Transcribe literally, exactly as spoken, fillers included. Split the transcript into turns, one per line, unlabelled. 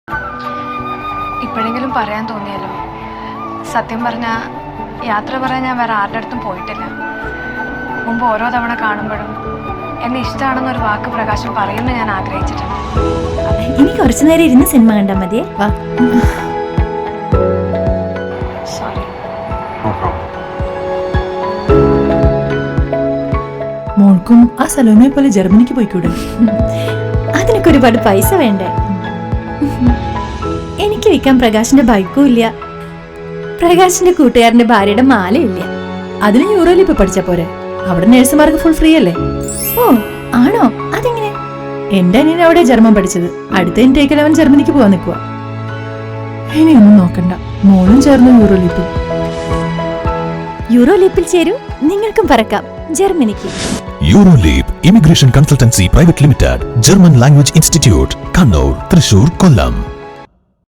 ഇപ്പോഴെങ്കിലും പറയാൻ തോന്നിയാലോ? സത്യം പറഞ്ഞാൽ യാത്ര പറയാൻ ഞാൻ വേറെ ആരുടെ അടുത്തും പോയിട്ടില്ല. മുമ്പ് ഓരോ തവണ കാണുമ്പോഴും എന്നെ ഇഷ്ടമാണെന്നൊരു വാക്ക് പ്രകാശം പറയുമെന്ന് ഞാൻ ആഗ്രഹിച്ചിട്ടുണ്ട്.
ഇനി കുറച്ചു നേരം ഇരുന്ന് സിനിമ കണ്ടാൽ മതിയേ. വാ.
സോറി.
മോൾക്കും ആ സലോമയെ പോലെ ജർമ്മനിക്ക് പോയിക്കൂടെ?
അതിനൊക്കെ ഒരുപാട് പൈസ വേണ്ടേ? എനിക്ക് വിൽക്കാൻ പ്രകാശിന്റെ ബൈക്കും ഇല്ല, പ്രകാശിന്റെ കൂട്ടുകാരന്റെ ഭാര്യയുടെ മാലയില്ല.
അതിന് യൂറോയിൽ ഇപ്പൊ പഠിച്ച പോരെ? അവിടെ നഴ്സുമാർക്ക് ഫുൾ ഫ്രീ അല്ലേ?
ഓ ആണോ? അതെങ്ങനെ?
എന്റെ അനിയൻ അവിടെ ജർമ്മൻ പഠിച്ചത്. അടുത്ത ഇൻടേക്കിൽ അവൻ ജർമ്മനിക്ക് പോവാൻ നിൽക്കുക. ഇനിയൊന്നും നോക്കണ്ട, മോളും ചേർന്ന് യൂറോ ലീപ്പിൽ.
യൂറോ ലീപ്പിൽ ചേരൂ, നിങ്ങൾക്കും പറക്കാം ജർമ്മനിക്ക്.
Euroleap immigration consultancy private limited, German language institute, Kannur, Thrissur, കൊല്ലം.